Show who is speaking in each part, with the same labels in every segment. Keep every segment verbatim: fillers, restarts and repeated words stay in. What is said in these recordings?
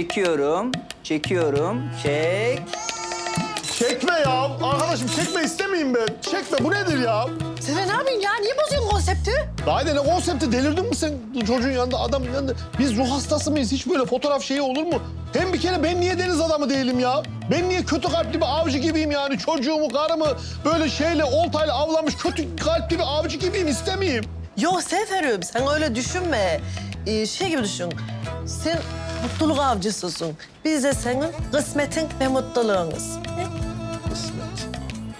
Speaker 1: Çekiyorum, çekiyorum, çek.
Speaker 2: Çekme ya. Arkadaşım çekme istemeyeyim ben. Çekme bu nedir ya?
Speaker 3: Sefer ne yapıyorsun ya? Niye bozuyorsun konsepti?
Speaker 2: Haydi ne konsepti delirdin mi sen çocuğun yanında adamın yanında? Biz ruh hastası mıyız? Hiç böyle fotoğraf şeyi olur mu? Hem bir kere ben niye deniz adamı değilim ya? Ben niye kötü kalpli bir avcı gibiyim yani? Çocuğumu, karımı böyle şeyle oltayla avlamış kötü kalpli bir avcı gibiyim istemeyeyim.
Speaker 3: Yok Seferim sen öyle düşünme. Ee, şey gibi düşün. Sen mutluluk avcısısın. Biz de senin kısmetin ve mutluluğunuz. Ne?
Speaker 2: Kısmet.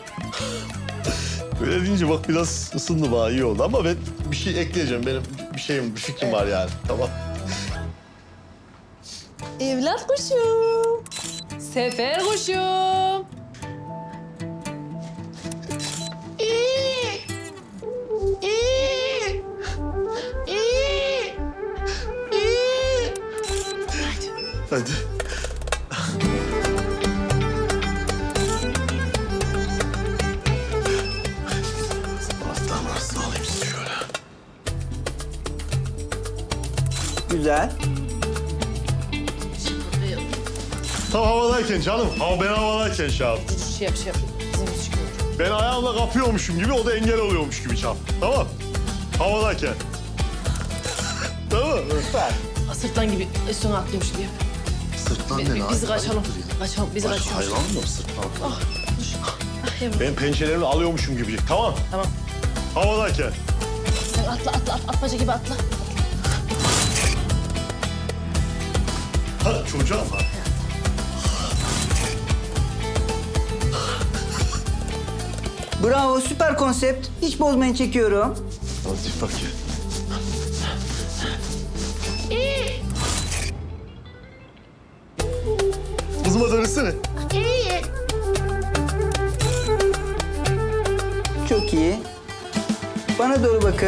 Speaker 2: Böyle deyince bak biraz ısındı bana iyi oldu ama ben bir şey ekleyeceğim. Benim bir şeyim, bir fikrim var yani. Tamam.
Speaker 3: Evlat kuşum.
Speaker 4: Sefer kuşum.
Speaker 2: Hadi. Alttan arasını alayım sizi şöyle.
Speaker 1: Güzel.
Speaker 2: Tam havadayken canım. Hava ben havadayken şap.
Speaker 4: Şey yap şey yap. Bizim çıkıyor.
Speaker 2: Ben ayağımla kapıyormuşum gibi o da engel oluyormuş gibi çap. Tamam. Havadayken. Tamam.
Speaker 1: Süper.
Speaker 4: Sırtlan gibi üstüne atlıyormuş gibi.
Speaker 2: Sırtlan
Speaker 4: Bi- bi- Biz kaçalım. Kaçalım. Biz kaçıyoruz.
Speaker 2: Hayvan mı sırtlan?
Speaker 4: Ah yavrum.
Speaker 2: Ben pençelerimi alıyormuşum gibi. Tamam.
Speaker 4: Tamam.
Speaker 2: Havadayken.
Speaker 4: Sen atla atla at, atmaca gibi atla.
Speaker 2: Ha çocuğa mı?
Speaker 1: Bravo, süper konsept. Hiç bozmayın, çekiyorum.
Speaker 2: Hadi bakayım. Kızıma dönüşsene.
Speaker 1: Çok iyi. Bana doğru bakın.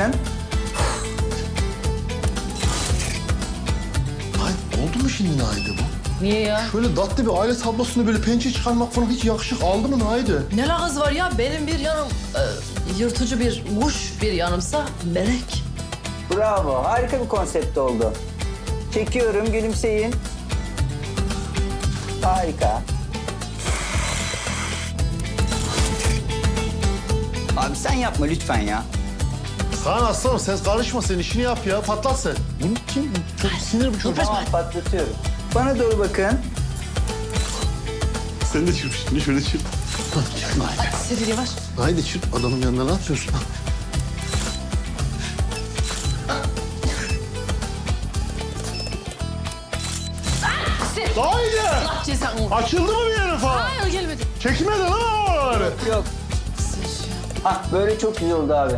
Speaker 2: Ay oldu mu şimdi Naide bu?
Speaker 4: Niye ya?
Speaker 2: Böyle tatlı bir aile tablosunu böyle pençe çıkarmak falan hiç yakışık aldı mı Naide?
Speaker 4: Ne alakası var ya? Benim bir yanım e, yırtıcı bir kuş, bir yanımsa melek.
Speaker 1: Bravo, harika bir konsept oldu. Çekiyorum, gülümseyin. Harika. Abi sen yapma lütfen ya.
Speaker 2: Kaan aslanım sen karışma sen işini yap ya patlat sen. Bunu kim? Çok sinir bu çocuk.
Speaker 1: Tamam, patlatıyorum. Bana doğru bakın.
Speaker 2: Sen de çırp şimdi şöyle çırp. Gel Naide.
Speaker 4: Sefer yavaş.
Speaker 2: Naide çırp adamın yanına ne yapıyorsun?
Speaker 4: Sefer.
Speaker 2: Naide!
Speaker 4: Allah cezanı.
Speaker 2: Açıldı mı bir yerin falan?
Speaker 4: Hayır gelmedi.
Speaker 2: Çekmedi lan oraları.
Speaker 1: Yok. Hah, böyle çok güzel oldu abi.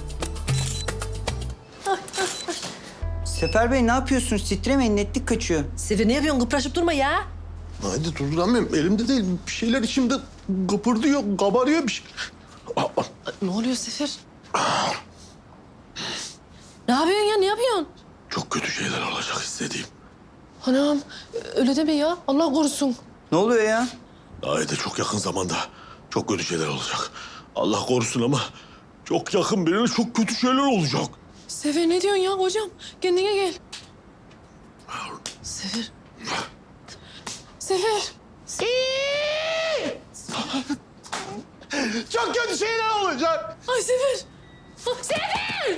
Speaker 1: Sefer Bey ne yapıyorsunuz? Titremeyin, netlik kaçıyor.
Speaker 3: Sefer ne yapıyorsun? Kıpraşıp durma ya.
Speaker 2: Naide durduramıyorum. Elimde değil. Bir şeyler içimde kıpırdıyor, kabarıyor bir şey. Aa, aa.
Speaker 4: Ne oluyor Sefer? Ne yapıyorsun ya? Ne yapıyorsun?
Speaker 2: Çok kötü şeyler olacak istediğim.
Speaker 4: Anam öyle deme ya. Allah korusun.
Speaker 1: Ne oluyor ya?
Speaker 2: Naide çok yakın zamanda çok kötü şeyler olacak. Allah korusun ama çok yakın birine çok kötü şeyler olacak.
Speaker 4: Sefer ne diyorsun ya hocam? Kendine gel. Sefer. Sefer.
Speaker 2: Çok kötü şeyler olacak.
Speaker 4: Ay Sefer. Ah, Sefer.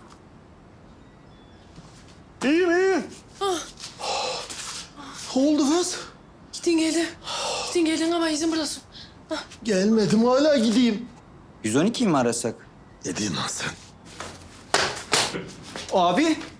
Speaker 2: İyiyim, iyiyim.
Speaker 4: Ah.
Speaker 2: Ne oldu kız?
Speaker 4: Gittin geldin. Gittin geldin ama izin buradasın.
Speaker 2: Gelmedim hala gideyim.
Speaker 1: yüz on ikiyi mi arasak?
Speaker 2: Ne diyorsun lan sen?
Speaker 1: Abi